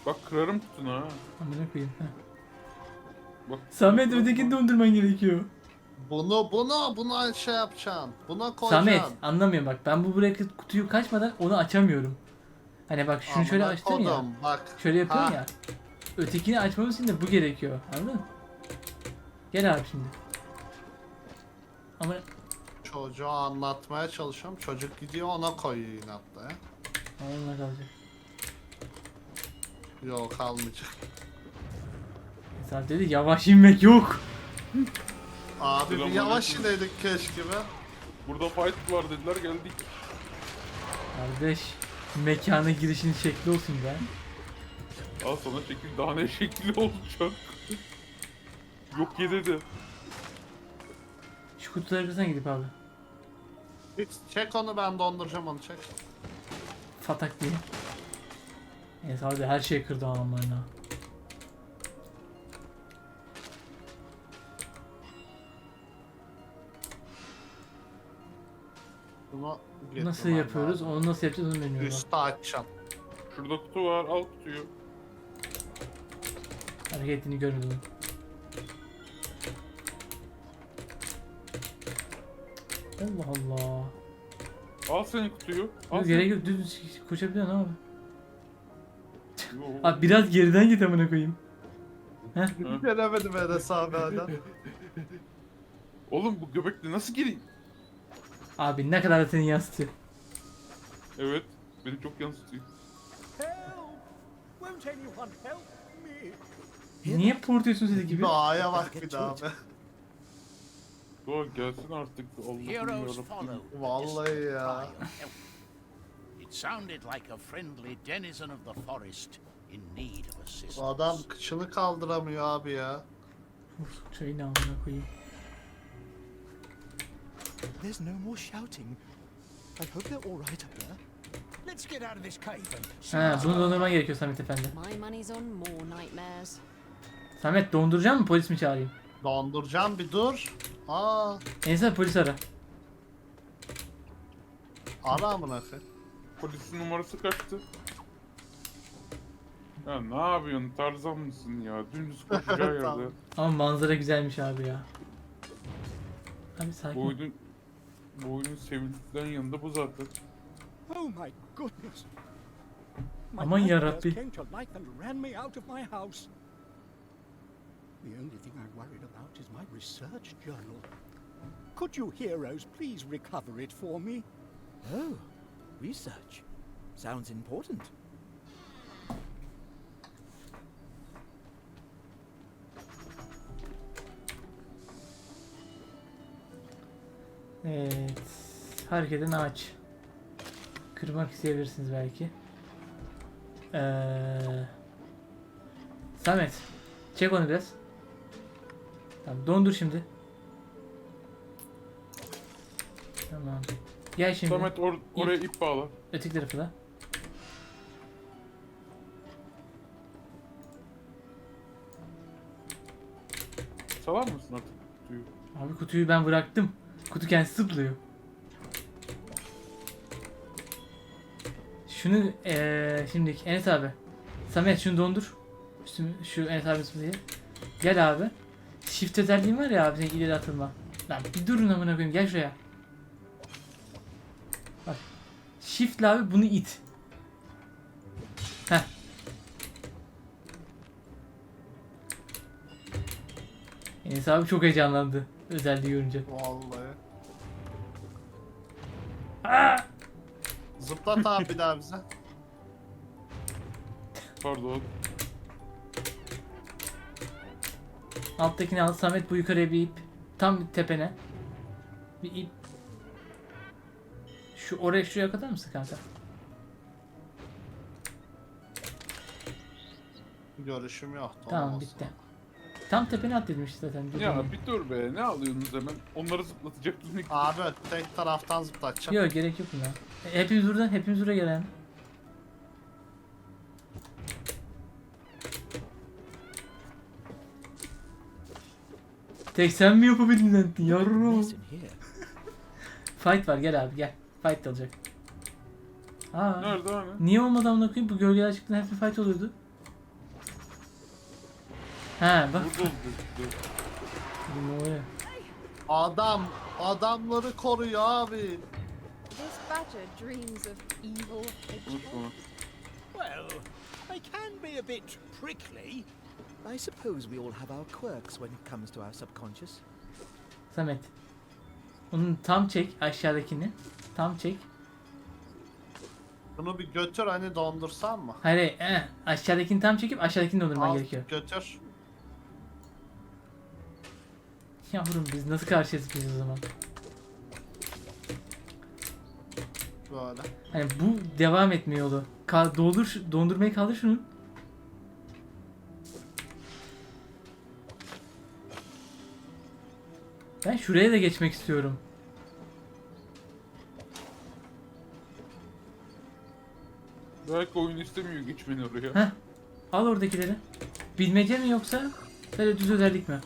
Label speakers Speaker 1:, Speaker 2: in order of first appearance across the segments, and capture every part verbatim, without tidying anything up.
Speaker 1: Bak kırarım kutunu ha.
Speaker 2: Amına koyayım. Heh.
Speaker 1: Bak.
Speaker 2: Samet ötekini dondurman gerekiyor.
Speaker 3: Bunu bunu buna şey yapacaksın. Buna
Speaker 2: Samet
Speaker 3: koyacaksın.
Speaker 2: anlamıyorum bak, ben bu buraya kutuyu kaçmadan onu açamıyorum. Hani bak şunu şöyle
Speaker 3: Amına
Speaker 2: açtım ya.
Speaker 3: kodum, bak.
Speaker 2: Şöyle yapıyorum
Speaker 3: Ha.
Speaker 2: ya. Ötekini açmamız için de bu gerekiyor. Anladın mı? Gel abi şimdi. Ama
Speaker 3: Çocuğa anlatmaya çalışıyorum. Çocuk gidiyor ona koyuyor inatla ya.
Speaker 2: onunla kalacak.
Speaker 3: Yok kalmayacak.
Speaker 2: Mesela dedi yavaş inmek yok.
Speaker 3: Abi bir
Speaker 1: Selamünaleyküm.
Speaker 3: yavaş inedik keşke be.
Speaker 1: Burada fight var dediler geldik.
Speaker 2: Kardeş mekana girişin şekli olsun be.
Speaker 1: Al sana şekil daha ne şekli olacak. Yok ye dedi.
Speaker 2: Şu kutuları kırsan gidip abi.
Speaker 3: Hiç çek onu, ben donduracağım onu, çek.
Speaker 2: Fatak diye. Neyse abi her şeyi kırdı adamlarına.
Speaker 3: Bunu
Speaker 2: Nasıl
Speaker 3: getirmem
Speaker 2: yapıyoruz?
Speaker 3: lazım.
Speaker 2: Onu nasıl yapacağız onu bilmiyorum. bak.
Speaker 3: Üstü açacaksın.
Speaker 1: Şurada kutu var al kutuyu.
Speaker 2: Hareketini görmedim. Allah Allah.
Speaker 1: Al senin kutuyu. Al
Speaker 2: Yok, gerek yok, düz koşabiliyorsun abi.
Speaker 1: Yo.
Speaker 2: Abi biraz geriden git amına koyayım.
Speaker 3: Gelemedim Enes abi hala.
Speaker 1: Oğlum bu göbekle nasıl gireyim?
Speaker 2: Abi ne kadar da seni yansıtıyor.
Speaker 1: Evet. Beni çok yansıtıyor.
Speaker 4: Help! Won't anyone help me?
Speaker 2: Niye portuyorsun sesi gibi?
Speaker 3: Doğaya bak bir daha be.
Speaker 1: Doğa gelsin artık. Allah'ım
Speaker 5: Heroes
Speaker 1: yarabbim.
Speaker 5: follow.
Speaker 3: Vallahi ya.
Speaker 5: It sounded like a friendly denizen of the forest in need of assistance.
Speaker 3: Adam kıçını kaldıramıyor abi ya.
Speaker 2: Uf, şeyini amına koyayım.
Speaker 4: There's no more shouting. I hope they're all right up there. Let's get out of this cave and...
Speaker 2: He bunu dondurman gerekiyor Samet efendi.
Speaker 6: My money's on more nightmares.
Speaker 2: Samet donduracak mı, polis mi çağırayım?
Speaker 3: Donduracağım bir dur. Aa,
Speaker 2: Neyse polis ara.
Speaker 3: ara amına koyayım.
Speaker 1: Polisin numarası kaçtı? Ya ne yapıyorsun? Tarzan mısın ya? Dümdüz koşacağı
Speaker 3: Tamam.
Speaker 1: yerde.
Speaker 2: Ama manzara güzelmiş abi ya. Abi
Speaker 1: Bu
Speaker 2: sakin.
Speaker 1: oyunun, bu oyunun sevildiklerin yanında bu zaten.
Speaker 4: Oh my goodness! My
Speaker 2: Aman
Speaker 4: nightmares
Speaker 2: yarabbi.
Speaker 4: came to life and ran me out of my house. The only thing I'm worried about is my research journal. Could you heroes please recover it for me?
Speaker 7: Oh, research. Sounds important.
Speaker 2: Evet. Hareket eden ağaç. Kırmak isteyebilirsiniz belki. Ee, Samet. Çek onu biraz. Tamam dondur şimdi. Tamam. Gel şimdi.
Speaker 1: Samet or oraya ip bağla.
Speaker 2: Öteki tarafı da.
Speaker 1: Salar mısın artık kutuyu?
Speaker 2: Abi kutuyu ben bıraktım. Kutu kendisi zıplıyor. Şunu eee şimdi Enes abi. Samet şunu dondur. Üstümü, şu Enes abi diye. Gel abi. Shift özelliğin var ya abi senin ileri atılma. Lan bir durun amına koyayım, gel şuraya. Bak. Shift'le abi bunu it. Heh. Enes abi çok heyecanlandı özelliği görünce.
Speaker 3: Vallahi.
Speaker 2: Aa!
Speaker 3: Zıplat abi bir daha bize.
Speaker 1: Pardon.
Speaker 2: Alttakini al. Samet bu yukarıya bir ip. Tam tepene. Bir ip. Şu oraya şuraya kadar mısın kanka?
Speaker 3: Görüşüm yoktu.
Speaker 2: Tamam
Speaker 3: olmaz.
Speaker 2: bitti. Tam tepene at dedim işte zaten.
Speaker 1: Ya bir dur be. Ne alıyorsunuz hemen? Onları zıplatacaktınız. Ne-
Speaker 3: Abi tek taraftan zıplatacağım.
Speaker 2: Yok gerek yok buna. E, Hepimiz buradan, hepimiz buraya gelelim. Tek sen mi yapabildin lan yavrum?
Speaker 7: Mess in here.
Speaker 2: Fight var, gel abi gel. Fight da olacak. Aa.
Speaker 1: Nerede hani?
Speaker 2: Niye olmadı amına koyayım? Bu gölgeler çıktığında hep bir fight oluyordu. He bak.
Speaker 1: Burada oldu. Dur.
Speaker 2: Bu oluyor.
Speaker 3: Adam adamları koruyor abi.
Speaker 6: This badger dreams of evil hedgehogs.
Speaker 1: Unutma.
Speaker 5: Well, they can be a bit prickly.
Speaker 7: I suppose we all have our quirks when it comes to our subconscious.
Speaker 2: Samet. Onun tam çek aşağıdakini. Tam çek.
Speaker 3: Bunu bir götür hani dondursam mı?
Speaker 2: Hayır, hayır, eh, aşağıdakini tam çekip aşağıdakini dondurman
Speaker 3: Al,
Speaker 2: gerekiyor.
Speaker 3: götür.
Speaker 2: Yavrum biz nasıl karşıyız biz o zaman?
Speaker 3: Böyle.
Speaker 2: Hani bu devam etme yolu. Ka doldur, şu- dondurmayı kaldır şunu. Ben şuraya da geçmek istiyorum.
Speaker 1: Belki oyun istemiyor geçmeni oraya.
Speaker 2: Heh. Al oradakileri. Bilmece mi yoksa böyle düz özellik mi?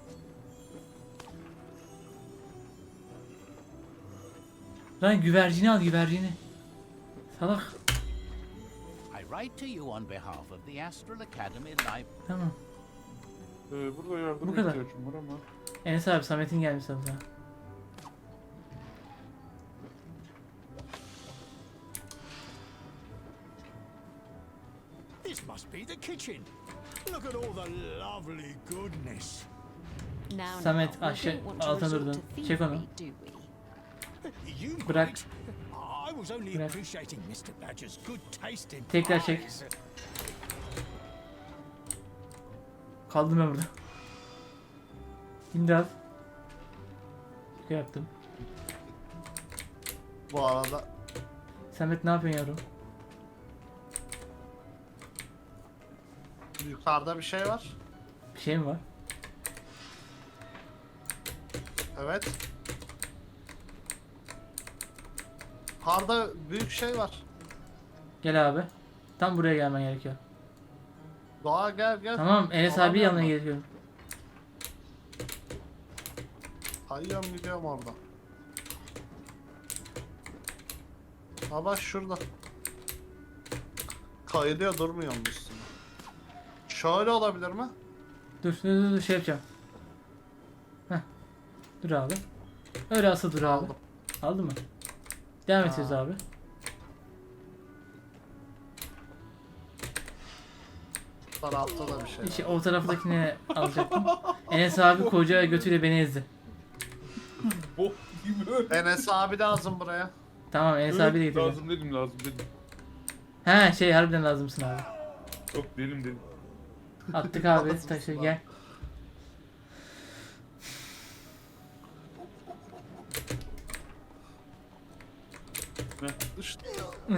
Speaker 2: Lan güvercini al güvercini. Salak.
Speaker 5: I write to you on behalf of the Astral Academy Library.
Speaker 2: Tamam.
Speaker 1: Ee, burada yardıma
Speaker 2: Bu kadar.
Speaker 1: ihtiyacım var ama.
Speaker 2: Enes abi Samet'in gelmiş sana.
Speaker 4: This must be the kitchen. Look at all the lovely goodness.
Speaker 6: Now,
Speaker 2: Samet,
Speaker 6: now, we
Speaker 2: aşağı-
Speaker 6: don't want to
Speaker 2: altına
Speaker 6: resort
Speaker 2: durdun.
Speaker 6: to
Speaker 2: Çek onu.
Speaker 6: thievery, do we?
Speaker 4: You
Speaker 2: Bırak.
Speaker 4: might. I was only
Speaker 2: Bırak.
Speaker 4: appreciating mister Badger's good taste in
Speaker 2: Tekrar çek.
Speaker 4: pies.
Speaker 2: Kaldım ben burada. İmdat. Şey yaptım.
Speaker 3: Bu arada
Speaker 2: Samet ne yapıyorsun yavrum?
Speaker 3: yukarıda bir şey var.
Speaker 2: Bir şey mi var?
Speaker 3: Evet. Yukarıda büyük şey var.
Speaker 2: Gel abi. Tam buraya gelmen gerekiyor.
Speaker 3: Doğa gel gel.
Speaker 2: Tamam Enes
Speaker 3: Tamam,
Speaker 2: abi yanına
Speaker 3: yanına.
Speaker 2: geliyorum.
Speaker 3: Kayıyorum gidiyorum orada. Ha bak şurada. Kayılıyor durmuyor mu üstüne? Şöyle olabilir mi?
Speaker 2: Dur dur dur, dur şey yapacağım. Heh. Dur abi. Öyle asıl dur abi.
Speaker 3: Aldım.
Speaker 2: Aldı mı? Devam
Speaker 3: Ha.
Speaker 2: ediyoruz abi.
Speaker 3: Bu tarafta da bir şey var.
Speaker 2: İşte o taraftakini alacaktım. Enes abi koca götüyle beni ezdi.
Speaker 1: Bok gibi.
Speaker 3: Enes abi lazım buraya.
Speaker 2: Tamam Enes
Speaker 1: Evet,
Speaker 2: abi de getireceğim.
Speaker 1: lazım dedim lazım dedim.
Speaker 2: He şey harbiden lazımsın abi.
Speaker 1: Yok dedim dedim.
Speaker 2: Attık abi
Speaker 3: Lazımsın
Speaker 2: taşı
Speaker 3: abi.
Speaker 2: gel.
Speaker 3: İşte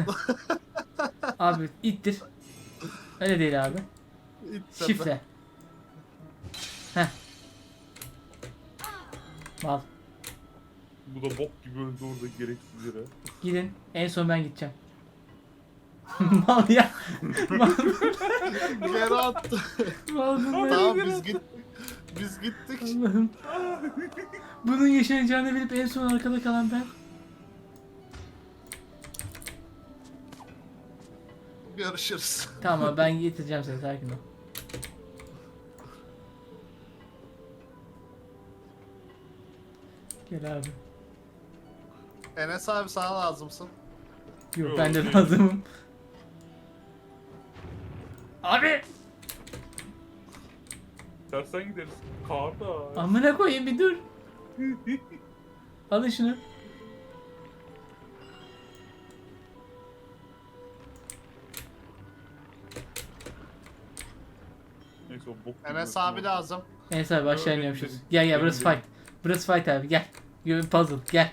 Speaker 2: Abi ittir. Öyle değil abi.
Speaker 3: ittirdim.
Speaker 2: Şifre. Heh. Mal.
Speaker 1: Bu da bok gibi öldü orada gereksiz yere.
Speaker 2: Gidin. En son ben gideceğim. Mal ya. Mal.
Speaker 3: Geri attı.
Speaker 2: Mal bunlar.
Speaker 3: Tamam biz git biz gittik.
Speaker 2: Allah'ım. Bunun yaşanacağını bilip en son arkada kalan ben.
Speaker 3: Görüşürüz.
Speaker 2: Tamam ben getireceğim seni sakin ol. Gel abi.
Speaker 3: Enes abi sana lazımsın.
Speaker 2: Yok
Speaker 1: Yok,
Speaker 2: ben de
Speaker 1: değil.
Speaker 2: lazımım. Abi!
Speaker 1: Tersten gideriz. Karda.
Speaker 2: Amına koyayım bir dur. Alın şunu.
Speaker 1: Neyse o bok gibi
Speaker 3: Enes
Speaker 1: öldü.
Speaker 3: abi lazım.
Speaker 2: Neyse abi aşağı
Speaker 1: Öyle
Speaker 2: iniyormuşuz.
Speaker 1: dedim.
Speaker 2: Gel gel
Speaker 1: Benim
Speaker 2: burası
Speaker 1: dedim.
Speaker 2: fight. Burası fight abi gel. Gö- Puzzle gel.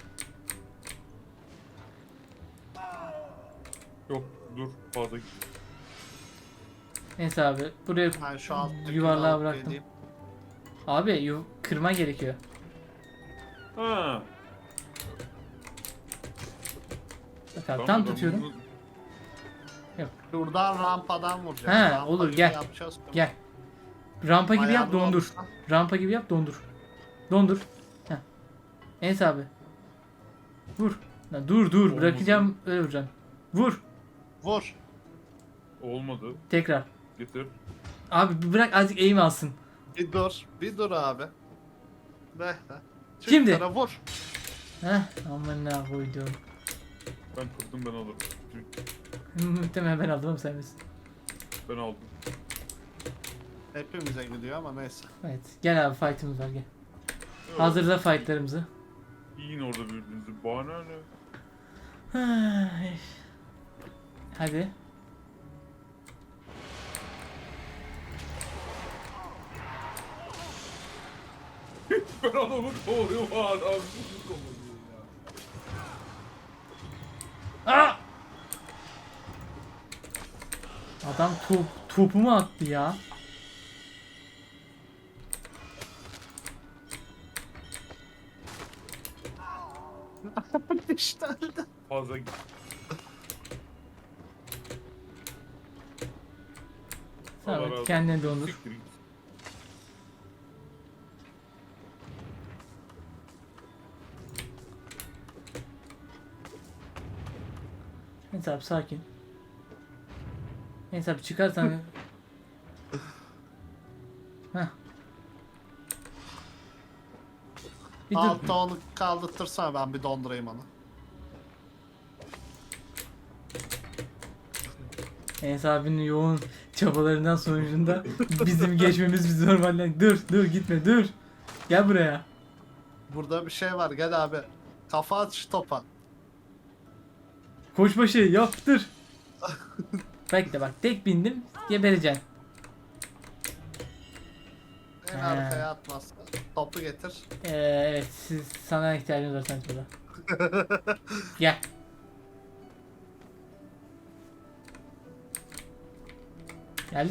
Speaker 1: Yok dur fazla git.
Speaker 2: Neyse abi buraya
Speaker 3: Ben şu alttaki
Speaker 2: yuvarlığa
Speaker 3: alıp
Speaker 2: bıraktım.
Speaker 3: geleyim.
Speaker 2: Abi yu kırma gerekiyor.
Speaker 1: Ha.
Speaker 2: Bak abi
Speaker 1: tamam,
Speaker 2: tam
Speaker 1: ben
Speaker 2: tutuyorum.
Speaker 1: bunu-
Speaker 3: Şuradan rampadan vuracağız.
Speaker 2: He,
Speaker 3: Rampa
Speaker 2: olur,
Speaker 3: gibi
Speaker 2: gel.
Speaker 3: yapacağız.
Speaker 2: Gel. Rampa gibi yap
Speaker 3: Ayağını
Speaker 2: dondur.
Speaker 3: al.
Speaker 2: Rampa gibi yap dondur. Dondur. Heh. Enes abi. Vur. Lan dur dur
Speaker 1: Olmadı.
Speaker 2: bırakacağım öyle vuracağım. Vur.
Speaker 3: Vur.
Speaker 1: Olmadı.
Speaker 2: Tekrar.
Speaker 1: Getir.
Speaker 2: Abi bir bırak azıcık eğim alsın.
Speaker 3: Bir dur. Bir dur abi. Bekle. Çık
Speaker 2: Şimdi.
Speaker 3: sana vur.
Speaker 2: Heh aman ne koydum.
Speaker 1: Ben kırdım, ben alırım.
Speaker 2: Muhtemelen ben aldım ama sen misin?
Speaker 1: Ben aldım.
Speaker 3: Hepimize gidiyor ama neyse.
Speaker 2: Evet gel abi fight'ımız var gel.
Speaker 1: Evet.
Speaker 2: Hazırla fight'larımızı.
Speaker 1: Yiyin orada birbirinizi. Bana ne?
Speaker 2: Ay. Hadi.
Speaker 1: Ben adamı kovuyorum adam. Sizi kovuyor ya.
Speaker 2: Aa! Adam top, topumu attı ya.
Speaker 3: İşte öldü.
Speaker 1: Fazla git. Allah razı
Speaker 2: Samet
Speaker 1: olsun.
Speaker 2: kendini dondur.
Speaker 1: Siktir git.
Speaker 2: Neyse abi sakin. Neyse abi çıkarsan. Heh. Bir dur.
Speaker 3: Altta onu kaldırtırsana ben bir dondurayım onu.
Speaker 2: Enes abinin yoğun çabalarından sonucunda bizim geçmemiz biz normalden. Dur dur gitme dur. Gel buraya.
Speaker 3: Burada bir şey var gel abi. Kafa at şu topa.
Speaker 2: Koçbaşı yaptır. Bekle bak tek bindim gebereceksin.
Speaker 3: En
Speaker 2: He.
Speaker 3: arkaya atmaz. Topu getir.
Speaker 2: Ee, evet siz sana ihtiyacınız var sanki burada. Gel.